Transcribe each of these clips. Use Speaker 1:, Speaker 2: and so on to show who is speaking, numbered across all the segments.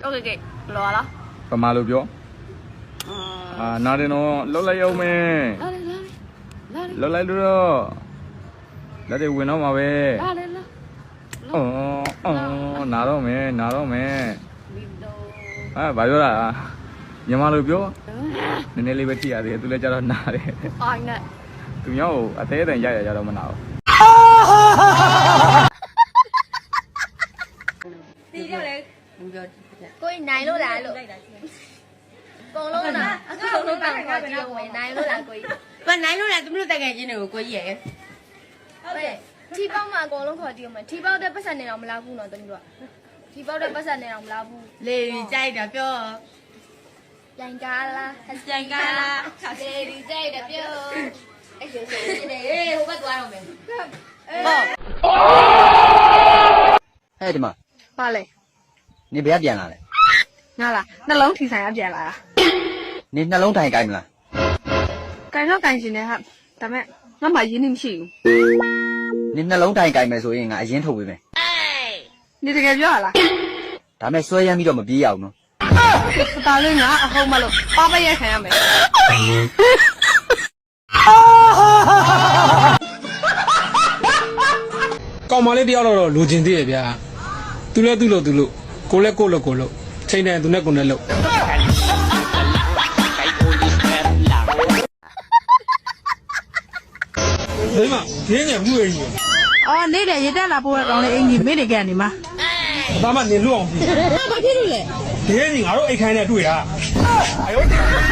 Speaker 1: ok lo đó
Speaker 2: ပမာလို့ပြောနာတယ်နော်လှုပ်လိုက်အောင်မယ်လှုပ်လိုက်လို့တော့လက်တွေဝင်တော့မှာပဲနာတော့မယ်ဘာပြောတာမြန်မာလိုပြောနည်းနည်းလေးပဲကြည့်ရသေးတယ်သူလည်းကြတော့နာတယ်သူမျိုးအသေးအတန်ရရကြတော့မနာဘူး
Speaker 1: ဒီကြောက်လေကိုယ်နိုင်လို့လားလို့ကုန်လုံးလားကုန်လုံးတောင်ခေါ်ကြည့်ဝင်နိုင်လို့လားကိုကြီးဘာနိုင်လို့လားသူတို့တက်ခဲ့ချင်းတွေကိုကိုကြီးရဲ့ဟုတ်တယ်ထီပေါက်မှာအကုန်လုံးခေါ်ကြည့်အောင်ထီပေါက်တဲ့ပတ်စံနေတော့မလားဘူးနော်တမီးတို့ထီပေါက်တဲ့ပတ်စံနေတော့မလားဘူးလေကြိုက်တာပြောပြန်ကားလားပြန်ကားလားလေကြိုက်တာပြောအဲ့ဆိုနေဟေးဟိုဘက်သွားတော့မယ်
Speaker 3: ဟဲ့ဒီမှာ
Speaker 1: ပါလေ
Speaker 3: နေဘယ်ပြန်လာလဲ
Speaker 1: ငါလားနှလုံးထီဆိုင်ရပြန်လာတာ
Speaker 3: နေနှလုံးထိုင်ကြိုက်မလား
Speaker 1: ကြိုင်တော့ကြိုင်ရှင်နေဟာဒါမဲ့ငါမှရင်းနှီးမရှိဘူး
Speaker 3: နေနှလုံးထိုင်ကြိုက်မယ်ဆိုရင်ငါအရင်ထုတ်ပေးမယ်
Speaker 1: နေတကယ်ပြောရလား
Speaker 3: ဒါမဲ့ဆွဲရမ်းပြီးတော့မပြေးရအောင်နော်
Speaker 1: ဒါလေးငါအဟုတ်မလို့ပါပရက်ခံရမယ်
Speaker 4: ကောင်မလေးတယောက်တော့လိုချင်သေးရဲ့ဗျာသူလဲသူ့လို့ကိုလဲကိုလို့ချိန်တယ်သူနဲ့ကိုနဲ့လို့ဒီမှာရင်းငယ်မှုရင်းကြီး
Speaker 1: အော်နေတယ်ရေတက်လာပို့ရကောင်းလေးအင်ကြီးမိနေကြနေမှာ
Speaker 4: ဒါမှနေလွတ်အောင်ပြီ
Speaker 1: ဘာဖြစ်လို့လဲ
Speaker 4: ဒီနေ့ငါတို့အိတ်ခိုင်းနဲ့တွေ့တာအယော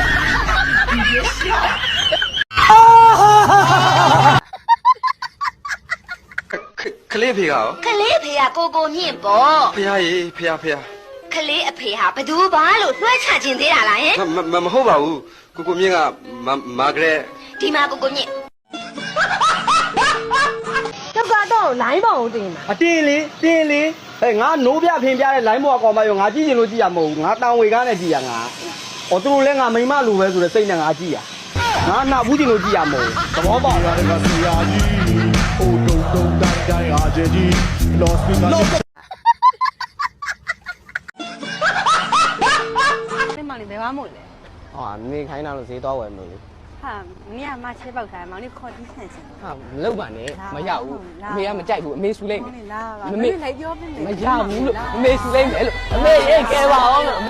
Speaker 3: ကလေးဖေရော
Speaker 5: ကလေးအဖေကကိုမြင့်ပေါ့
Speaker 3: ဖေရရေဖေရ
Speaker 5: ကလေးအဖေဟာဘသူဘာလို့လွှဲချခြင်းသေးတာလားဟင်
Speaker 3: မဟုတ်ပါဘူးကိုမြင့်ကမာဂရက်
Speaker 5: ဒီမှာကိုမြင့်
Speaker 1: တော့လိုင်းပေါအောင်တင်တာ
Speaker 6: အတင်းလေဟဲ့ငါနိုးပြဖင်ပြတဲ့လိုင်းပေါ်ကောင်မရောငါကြည့်ချင်လို့ကြည့်ရမဟုတ်ဘူးငါတောင်ဝေကားနဲ့ကြည့်ရငါသူတို့လည်းငါမိမလိုပဲဆိုတဲ့စိတ်နဲ့ငါကြည့်ရငါနောက်ဘူးချင်လို့ကြည့်ရမဟုတ်ဘူးသဘောပေါက်လားကစီယာကြီးဟိုတုံတိုင်းအားကြီး lost me
Speaker 1: နေမလေးဘယ်မှမဟုတ်လေ
Speaker 6: ဟာနေခိုင်းတာလို့ဈေးသွားဝယ်မလို့
Speaker 1: ဟာမင်းကမချဲပေါက်ထားမောင်လေးခေါ်တီးဆန်ချင်
Speaker 6: ဟာမလုပ်ပါနဲ့မရဘူးအမေကမကြိုက်ဘူးအမေဆူလိုက်မယ်
Speaker 1: မမေလိုက်ပြောပြမယ်
Speaker 6: မရဘူးလို့အမေဆူလိုက်မယ်လို့အမေရေးကဲပါအောင်လို့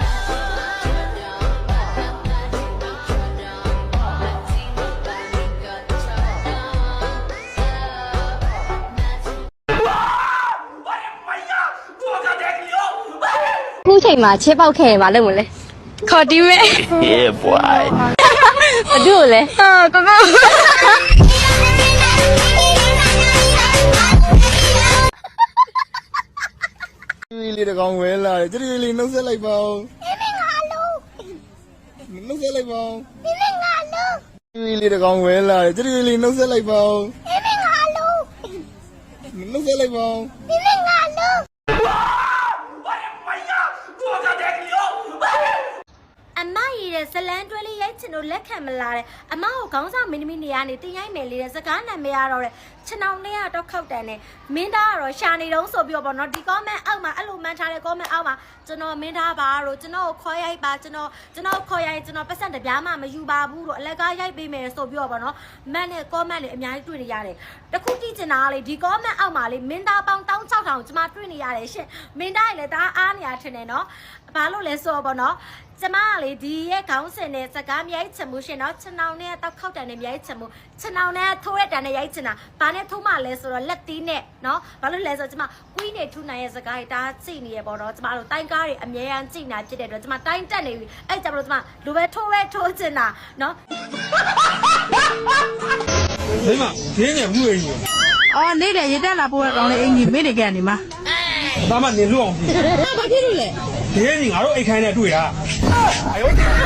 Speaker 5: ခုချိန်မှာချေပေါက်ခဲ့ရင်မလုပ်မလဲ
Speaker 1: ခေါ်တီးမယ်
Speaker 3: yeah boy
Speaker 5: ဘာလို့လဲ
Speaker 1: ကော
Speaker 2: လေးတကောင်ဝဲလာတယ်ကြွေလေးနှုတ်ဆက်လိုက်ပါဦး
Speaker 5: ငါလုံး
Speaker 2: နှုတ်ဆက်လိုက်ပါဦး
Speaker 5: ငါလုံး
Speaker 2: ကြွေလေးတကောင်ဝဲလာတယ်ကြွေလေးနှုတ်ဆက်လိုက်ပါဦး
Speaker 5: ငါလုံး
Speaker 2: နှုတ်ဆက်လိုက်ပါဦး
Speaker 5: ငါလုံးအမရည်တဲ့ဇလန်းတွဲလေးရိုက်ချင်လို့လက်ခံမလာတဲ့အမကိုခေါင်းဆောင်မင်းသမီးနေရာနေတင်ရိုက်မယ်လေတဲ့စကားနာမည်ရတော့တဲ့ခြေနှောင်လေးကတော့ခောက်တန်နဲ့မင်းသားကတော့ရှာနေတုံးဆိုပြီးတော့ဗောနော်ဒီ comment အောက်မှာအဲ့လိုမှန်းထားတဲ့ comment အောက်မှာကျွန်တော်မင်းသားပါတော့ကျွန်တော်ကိုခေါ်ရိုက်ပါကျွန်တော်ခေါ်ရိုက်ကျွန်တော်ပတ်စံတပြားမှမယူပါဘူးတော့အလကားရိုက်ပေးမယ်ဆိုပြီးတော့ဗောနော်မန်နဲ့ comment တွေအများကြီးတွေ့နေရတယ်တခုတိကျင်တာလေဒီ comment အောက်မှာလေမင်းသားပေါင်း16000ကျွန်မတွေ့နေရတယ်ရှင်မင်းသားလည်းဒါအားနေရထင်တယ်နော်ဘာလို့လဲဆိုတော့ဗောနော်ကျမကလေဒီရဲ့ခေါင်းစဉ်နဲ့စကားမြိုက်ချင်မှုရှင်နော်ခြေနှောင်နဲ့တောက်ခောက်တန်နဲ့မြိုက်ချင်မှုခြေနှောင်နဲ့ထိုးရတန်နဲ့ရိုက်ချင်တာဘာနဲ့ထိုးမှလဲဆိုတော့လက်သီးနဲ့နော်ဘာလို့လဲဆိုတော့ကျမကွီးနေထူနိုင်ရဲ့စကားတွေဒါကြည့်နေရပေါ့နော်ကျမတို့တိုင်းကားတွေအမြဲတမ်းကြည့်နေဖြစ်တဲ့အတွက်ကျမတိုင်းတက်နေပြီအဲ့ကြမလို့ကျမလူပဲထိုးချင်တာနော်
Speaker 4: ဒီမှာရင်းငယ်မှုရင်းကြီး
Speaker 1: အော်နေတယ်ရေတက်လာပို့ရကောင်းလေးအင်ကြီးမိနေကြနေမှာ
Speaker 4: ဒါမှနေလွတ်အောင်ပြီ
Speaker 1: ဘာဖြစ်လို့လဲ
Speaker 4: ဒီနေ့ငါတို့အိတ်ခိုင်းနဲ့တွေ့တာအယော